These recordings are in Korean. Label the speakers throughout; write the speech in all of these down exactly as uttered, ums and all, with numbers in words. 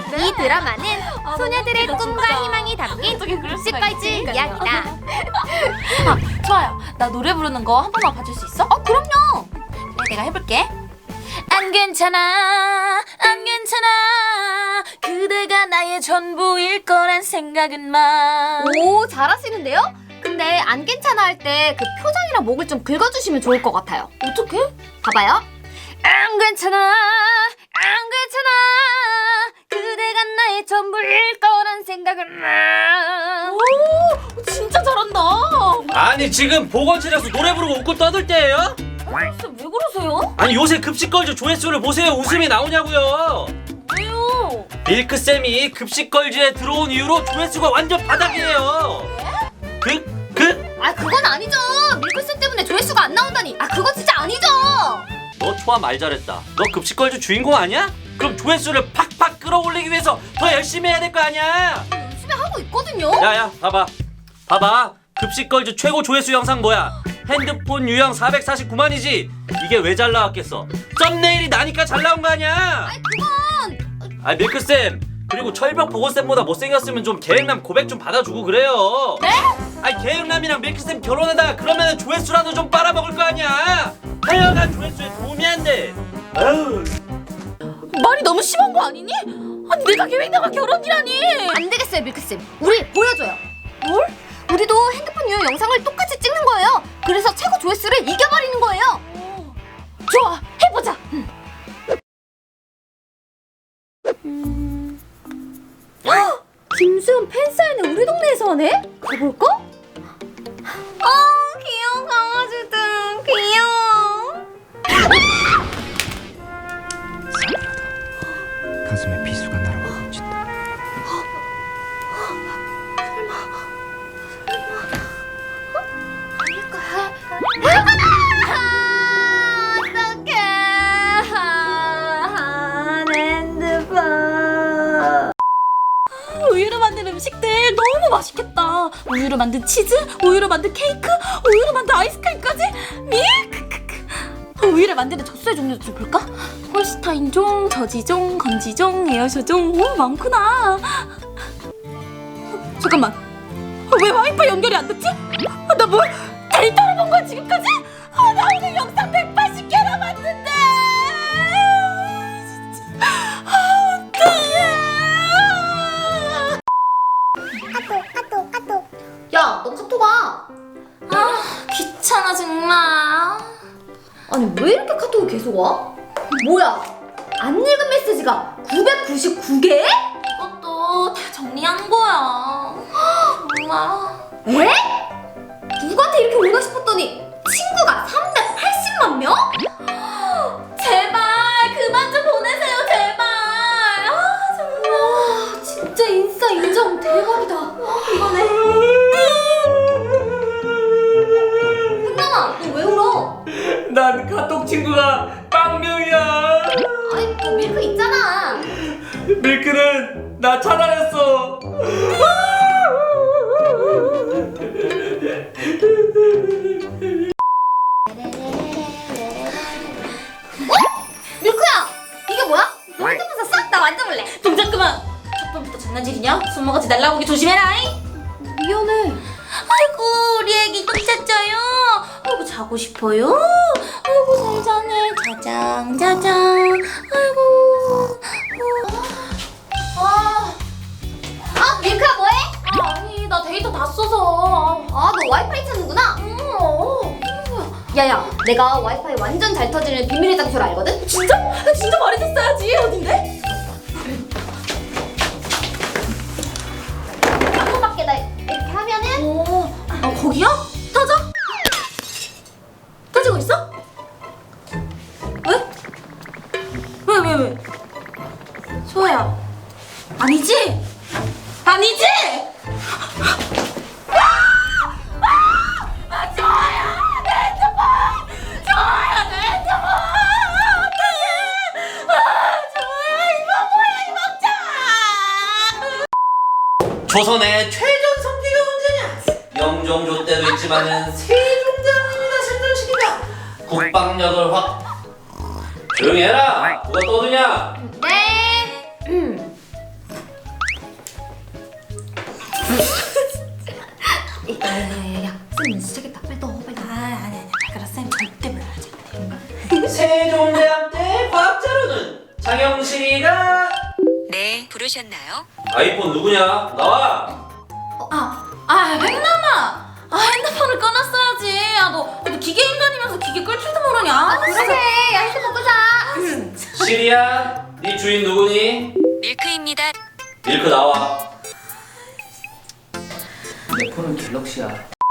Speaker 1: 이 드라마는
Speaker 2: 아,
Speaker 1: 소녀들의
Speaker 2: 너무
Speaker 1: 꿈과
Speaker 2: 웃기다, 진짜.
Speaker 1: 희망이 담긴
Speaker 2: 어떻게 그럴 수가
Speaker 1: 급식걸즈
Speaker 2: 있지?
Speaker 1: 이야기다.
Speaker 2: 아, 좋아요. 나 노래 부르는 거 한 번만 봐줄 수 있어?
Speaker 1: 어, 그럼요.
Speaker 2: 그래, 내가 해볼게. 안 괜찮아, 안 괜찮아. 그대가 나의 전부일 거란 생각은 마.
Speaker 1: 오, 잘하시는데요? 근데 안 괜찮아 할 때 그 표정이랑 목을 좀 긁어주시면 좋을 것 같아요.
Speaker 2: 어떡해?
Speaker 1: 봐봐요. 안 괜찮아, 안 괜찮아. 그대가 나의 전부일 거란 생각은 마.
Speaker 2: 오, 진짜 잘한다.
Speaker 3: 아니 지금 보건실에서 노래 부르고 웃고 떠들 때예요?
Speaker 2: 진짜 왜 그러세요?
Speaker 3: 아니 요새 급식걸즈 조회수를 보세요. 웃음이 나오냐고요.
Speaker 2: 왜요?
Speaker 3: 밀크쌤이 급식걸즈에 들어온 이후로 조회수가 완전 바닥이에요. 그? 그?
Speaker 1: 아, 그건 아니죠. 밀크쌤 때문에 조회수가 안 나온다니. 아, 그거 진짜 아니죠.
Speaker 3: 너 초아 말 잘했다. 너 급식걸즈 주인공 아니야? 그럼 조회수를 팍팍 끌어올리기 위해서 더 열심히 해야 될 거 아니야.
Speaker 1: 열심히 하고 있거든요.
Speaker 3: 야야 봐봐 봐봐 급식걸즈 최고 조회수 영상 뭐야? 핸드폰 유형 사백사십구만이지. 이게 왜 잘 나왔겠어? 썸네일이 나니까 잘 나온 거 아니야.
Speaker 1: 아니, 그건
Speaker 3: 아 밀크쌤 그리고 철벽 보건쌤보다 못생겼으면 좀 계획남 고백 좀 받아주고 그래요.
Speaker 2: 네?
Speaker 3: 아니 계획남이랑 밀크쌤 결혼하다가 그러면 조회수라도 좀 빨아먹을 거 아니야. 하여간 조회수에 도움이 안 돼. 아유.
Speaker 2: 말이 너무 심한 거 아니니? 아니 내가 계획나가 결혼이라니.
Speaker 1: 안 되겠어요, 밀크쌤. 우리 보여줘요.
Speaker 2: 뭘?
Speaker 1: 우리도 핸드폰 유형 영상을 똑같이 찍는 거예요. 그래서 최고 조회수를 이겨버리는 거예요.
Speaker 2: 좋아, 해보자.
Speaker 1: 김수현 팬사인회 우리 동네에서 하네? 가볼까? 아, 귀여운 강아지들. 귀여워.
Speaker 4: 가슴에 비수가 날아와 멈춘다.
Speaker 1: 어떡해. 핸드폰.
Speaker 2: 우유로 만든 음식들 너무 맛있겠다. 우유로 만든 치즈, 우유로 만든 케이크, 우유로 만든 아이스크림까지. 밀크크크. 우유를 만드는 젖소의 종류도 좀 볼까? 홀스타인종, 저지종, 건지종, 에어쇼종. 오, 많구나. 어, 잠깐만. 어, 왜 와이파이 연결이 안 됐지? 아, 나 뭐 데이터를 본 거야 지금까지? 아, 나 오늘 영상 백팔십 개나 봤는데. 진짜. 아, 어떡해.
Speaker 1: 야, 너 카톡 와.
Speaker 2: 아, 귀찮아 정말.
Speaker 1: 아니, 왜 이렇게 카톡이 계속 와? 뭐야? 안 읽은 메시지가 구백구십구 개?
Speaker 2: 이것도 다 정리한 거야. 정말.
Speaker 1: 에? 누구한테 이렇게 오나 싶었더니 친구가 삼백팔십만 명?
Speaker 2: 제발 그만 좀 보내세요 제발. 아 정말.
Speaker 1: 와, 진짜 인싸 인정 대박이다. 이거네. 현남아, 너 왜 울어?
Speaker 3: 난 카톡 친구가 빵명이야.
Speaker 1: 아니, 너 밀크 있잖아.
Speaker 3: 밀크는 나 차단했어.
Speaker 1: 밀크야, 이게 뭐야? 너 핸드폰 샀어? 나 만져볼래.
Speaker 2: 동작 그만. 첫 번부터 장난질이냐? 손모가지 날라오기 조심해라.
Speaker 1: 미안해.
Speaker 2: 아이고 우리 애기 똥 쌌죠요. 아이고 자고 싶어요. 아이고 잘 자네. 자장 자장. 아이고. 아,
Speaker 1: 아, 밀크야 뭐해?
Speaker 2: 아 아니 나 데이터 다 써서.
Speaker 1: 아, 너 와이파이 찾는구나.
Speaker 2: 어.
Speaker 1: 야야, 내가 와이파이 완전 잘 터지는 비밀의 장소를 알거든?
Speaker 2: 진짜? 진짜 말해줬어야지. 어딘데?
Speaker 1: 방문밖에 이렇게 하면은
Speaker 2: 어, 아 거기야? 터져? 터지고 있어? 왜? 왜, 왜, 왜? 소아야, 아니지? 아니지? 아! 아! 아, 소아야, 내 핸드폰! 소아야, 내 핸드폰! 어떡해! 아, 소아야, 이거 뭐야, 이 먹자!
Speaker 3: 조선의 최전 성기가 언제냐? 영종조 때도 있지만은 세종대왕입니다. 생존시키다. 국방력을 확. 조용히 해라. 누가 떠드냐?
Speaker 1: 네. 음. 야야야야 쌤 시작했다. 빨리 넣어 빨리 넣어.
Speaker 2: 아 아니 아니 발가락 쌤 절대 몰라야지.
Speaker 3: 세종대왕 때 과학자로는 장영식이가
Speaker 5: 네, 부르셨나요?
Speaker 3: 아이폰 누구냐? 나와!
Speaker 2: 아, 아, 횡남아! 아, 핸드폰을 꺼놨어야지. 아, 너, 너 기계 인간이면서 기계 끌 줄도 모르냐? 아,
Speaker 1: 그러게. 야 핸드폰 끄자.
Speaker 3: 시리야, 네 주인 누구니?
Speaker 5: 밀크입니다.
Speaker 3: 밀크 나와. 내 폰은 갤럭시야.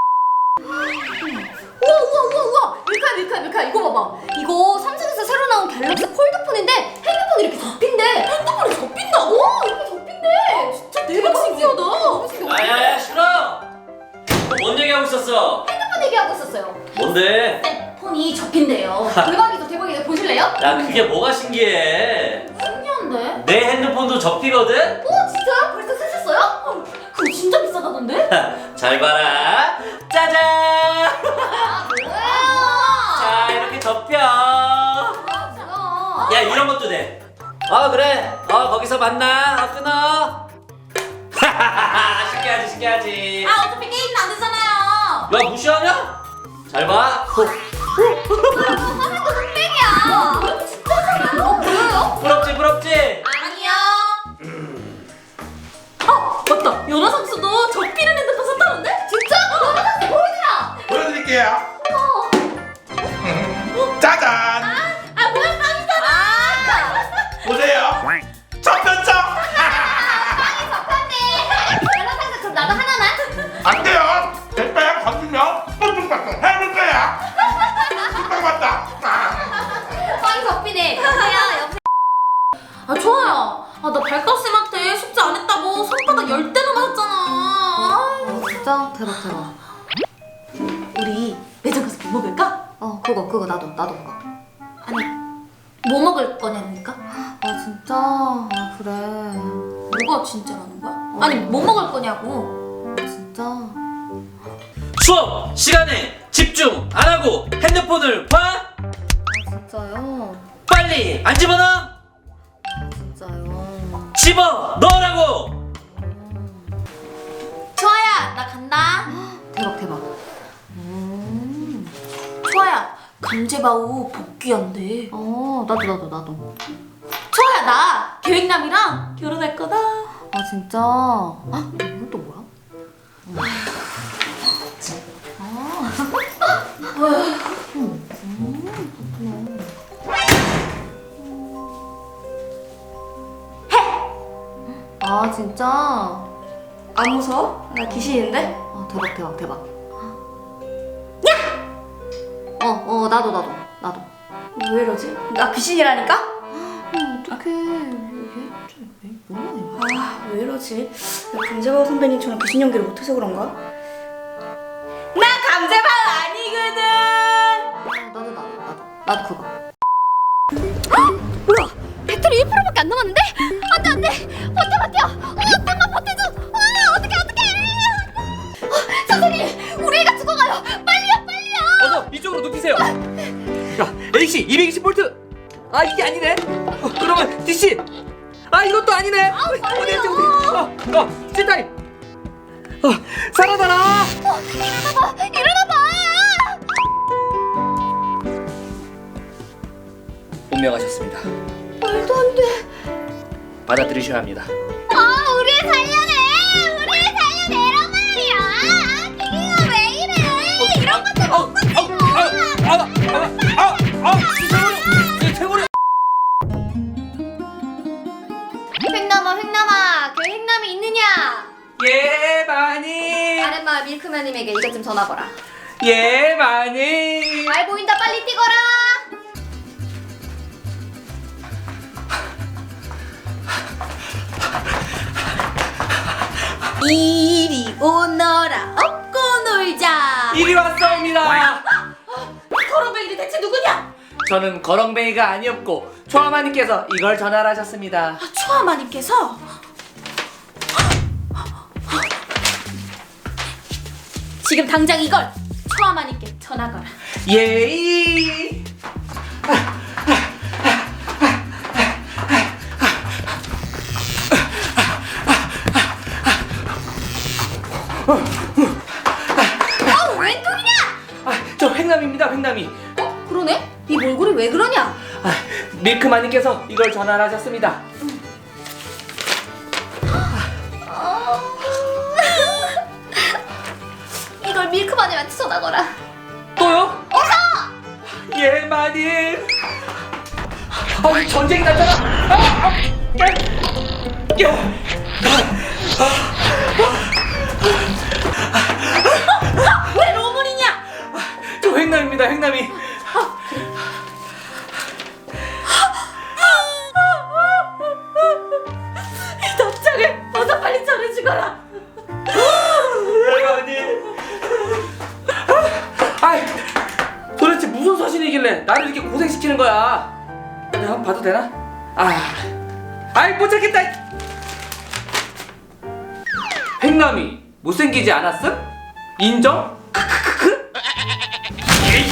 Speaker 1: 우와 우와 우와 우와. 밀카야 밀카야 밀카야 이거 봐봐. 이거 삼성에서 새로 나온 갤럭시 폴드폰인데 핸드폰이 이렇게 접힌대. 핸드폰이 접힌다고? 오 이렇게 접힌대. 진짜 대박 신기하다. 너무 신기하다.
Speaker 3: 야야야 싫어! 뭔 얘기하고 있었어?
Speaker 1: 핸드폰 얘기하고 있었어요.
Speaker 3: 뭔데?
Speaker 1: 쌤 폰이 접힌대요. 대박이죠 대박이죠. 보실래요?
Speaker 3: 야 그게 뭐가 신기해?
Speaker 1: 신기한데?
Speaker 3: 내 핸드폰도 접히거든?
Speaker 1: 오 진짜요? 벌써 쓰셨어요?
Speaker 2: 그거 진짜 비싸다던데?
Speaker 3: 잘 봐라. 짜잔!
Speaker 1: 아 뭐야?
Speaker 3: 자 이렇게 접혀.
Speaker 1: 아 진짜.
Speaker 3: 야 이런 것도 돼. 어 그래. 어 거기서 만나. 어 끊어. 신기하지 신기하지.
Speaker 2: 아, 어차피 게임은 안 되잖아요.
Speaker 3: 야 무시하냐? 잘 봐.
Speaker 1: 화면도 흑백이야. 진짜잖아요. 어 뭐예요?
Speaker 3: 부럽지 부럽지.
Speaker 2: 아니요. 어, 맞다. 연하 선수도 접히는 핸드폰 샀다는데?
Speaker 1: 진짜? 너네 다시 보여주라.
Speaker 6: 보여드릴게요.
Speaker 1: 어.
Speaker 6: 짜잔!
Speaker 2: 아, 뭐야, 빵이잖아.
Speaker 6: 보세요. 접혔죠?
Speaker 1: 접혔네. 연락해서 그럼 나도 하나만.
Speaker 6: 안 돼요. 내 빼야 건드면 뽕뽕빵빵 해볼 거야. 뽕빵 맞다.
Speaker 1: 빵이 접히네. 여보세요 여보세요.
Speaker 2: 아, 좋아요. 아, 나 발가락쌤한테 숙제 안 했다고 손바닥 열 대나 맞았잖아. 아,
Speaker 1: 어 진짜 대박 대박.
Speaker 2: 우리 매장 가서 뭐 먹을까?
Speaker 1: 어 그거 그거 나도 나도 그거.
Speaker 2: 아니, 뭐 먹을 거냐니까?
Speaker 1: 아 진짜. 아 그래.
Speaker 2: 뭐가 진짜라는 거야? 아니, 뭐 먹을 거냐고.
Speaker 1: 아, 진짜.
Speaker 3: 수업 시간에 집중 안 하고 핸드폰을 봐.
Speaker 1: 아 진짜요.
Speaker 3: 빨리 안 집어넣어.
Speaker 1: 아 진짜요.
Speaker 3: 집어 넣으라고.
Speaker 2: 초아야, 나 간다.
Speaker 1: 대박 대박. 음.
Speaker 2: 초아야, 감제바우 복귀한대.
Speaker 1: 어 나도 나도 나도.
Speaker 2: 초아야, 나 계획남이랑 결혼할 거다.
Speaker 1: 아 진짜. 아 이건 또 뭐야? 아 진짜.
Speaker 7: 안 무서워? 나 귀신인데?
Speaker 1: 아 대박 대박 대박. 야! 어어 나도 나도 나도.
Speaker 7: 왜 이러지? 나 귀신이라니까?
Speaker 1: 어 어떡해 이게 좀 왜- 뭐야 이거.
Speaker 7: 아, 왜 이러지? 나 감자바우 선배님처럼 귀신 연기를 못해서 그런가? 나 감자바우 아니거든!
Speaker 1: 아, 나도 나도 나도 나도 그거. 뭐야? 배터리 일 퍼센트밖에 안 남았는데? 안돼 안돼 버텨 버텨. 어 좀만 버텨줘. 아 어떡해 어떡해. 어, 선생님 우리 애가 죽어가요. 빨리요 빨리요.
Speaker 8: 어서 이쪽으로 눕히세요. 야, 에이씨 이백이십 볼트. 아 이게 아니네. 어, 그러면 디씨. 아 이것도 아니네. 아, 어디 어디 어디. 어, 어, 칠다리. 어, 살아나라.
Speaker 1: 어, 일어나봐 일어나봐.
Speaker 8: 운명하셨습니다.
Speaker 1: 말도 안 돼.
Speaker 8: 받아들이셔야 합니다.
Speaker 1: 아 우리 애 살려내. 우리 애 살려내란 말이야. 기기가 왜 이래. 이런 것도
Speaker 8: 어, 어, 아, 아, 아, 아, 아, 최고리, 최고리.
Speaker 1: 횡남아 횡남아 그 횡남이 있느냐.
Speaker 8: 예, 많이.
Speaker 1: 아랫마을 밀크맨님에게 이것 좀 전화거라.
Speaker 8: 예, 많이.
Speaker 1: 잘 보인다 빨리 뛰거라.
Speaker 2: 이리 오너라, 업고 놀자.
Speaker 8: 이리 왔사옵니다.
Speaker 2: 거렁뱅이들 대체 누구냐?
Speaker 8: 저는 거렁뱅이가 아니었고 초아마님께서 이걸 전달하셨습니다.
Speaker 2: 아, 초아마님께서 지금 당장 이걸 초아마님께 전화 거라.
Speaker 8: 예이.
Speaker 1: 아, 웬 똥이냐?
Speaker 8: 아, 저 횡남입니다, 횡남이.
Speaker 1: 어? 그러네? 이 몰골이 왜 그러냐?
Speaker 8: 아, 밀크마님께서 이걸 전화를 하셨습니다.
Speaker 1: 이걸 밀크마님한테 전화 거라.
Speaker 8: 또요? 어서! 예, 마님. 아, 전쟁이 났잖아. 아, 아, 야, 야.
Speaker 2: 왜 로물이냐?
Speaker 8: 저 횡남입니다, 횡남이.
Speaker 2: 이 답장을 어서 빨리 전해주거라.
Speaker 8: 예, 마님. 아이, 도대체 무슨 소신이길래 나를 이렇게 고생시키는 거야? 내가 한번 봐도 되나? 아, 아이 못 찾겠다. 횡남이 못생기지 않았음? 인정? 크크크크. 에이.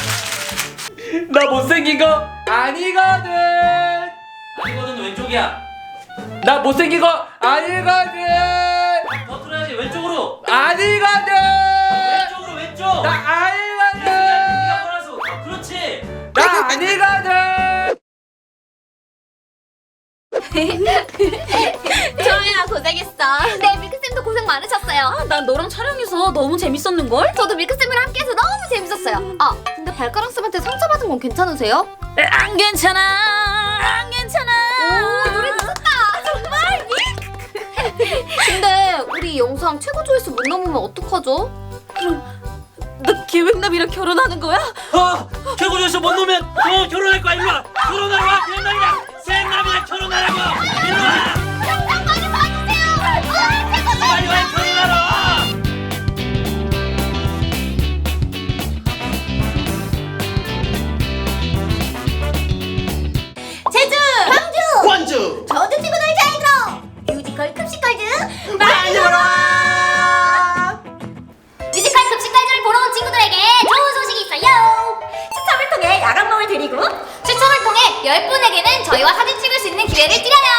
Speaker 8: 나 못생긴 거 아니거든.
Speaker 3: 아니거든 왼쪽이야.
Speaker 8: 나 못생긴 거 아니거든.
Speaker 3: 더 틀어야지 왼쪽으로.
Speaker 8: 아니거든.
Speaker 3: 왼쪽으로 왼쪽.
Speaker 8: 나
Speaker 3: 네가
Speaker 8: 아니거든.
Speaker 3: 몰아서. 어, 그렇지.
Speaker 8: 나 아니거든.
Speaker 1: 조용히나 고생했어. 네, 밀크쌤도 고생 많으셨어요.
Speaker 2: 아, 난 너랑 촬영해서 너무 재밌었는걸?
Speaker 1: 저도 밀크쌤이랑 함께해서 너무 재밌었어요. 아, 근데 발가락쌤한테 상처받은 건 괜찮으세요?
Speaker 2: 안 괜찮아, 안 괜찮아.
Speaker 1: 오, 노래 미쳤다. 정말. 근데 우리 이 영상 최고 조회수 못 넘으면 어떡하죠?
Speaker 2: 너 계획남이랑 결혼하는 거야?
Speaker 3: 어, 최고 조회수 못 놓으면 어 결혼할 거야. 일로 와. 결혼하러 와. 횡남이랑 쌩남이랑 결혼하라고. 일로 와.
Speaker 1: 영상 많이 봐주세요. 아, 최고 조회수.
Speaker 3: 빨리 와 결혼하러.
Speaker 1: 제주, 광주,
Speaker 6: 원주
Speaker 1: 저주 친구들 잘 들어. 뮤지컬 급식걸즈
Speaker 7: 많이 보러 와.
Speaker 1: 뮤지컬 급식걸즈를 보러 온 친구들에게 좋은 소식이 있어요.
Speaker 7: 추첨을 통해 야간봉을 드리고
Speaker 1: 추첨을 통해 열 분에게는 저희와 사진 찍을 수 있는 기회를 드려요.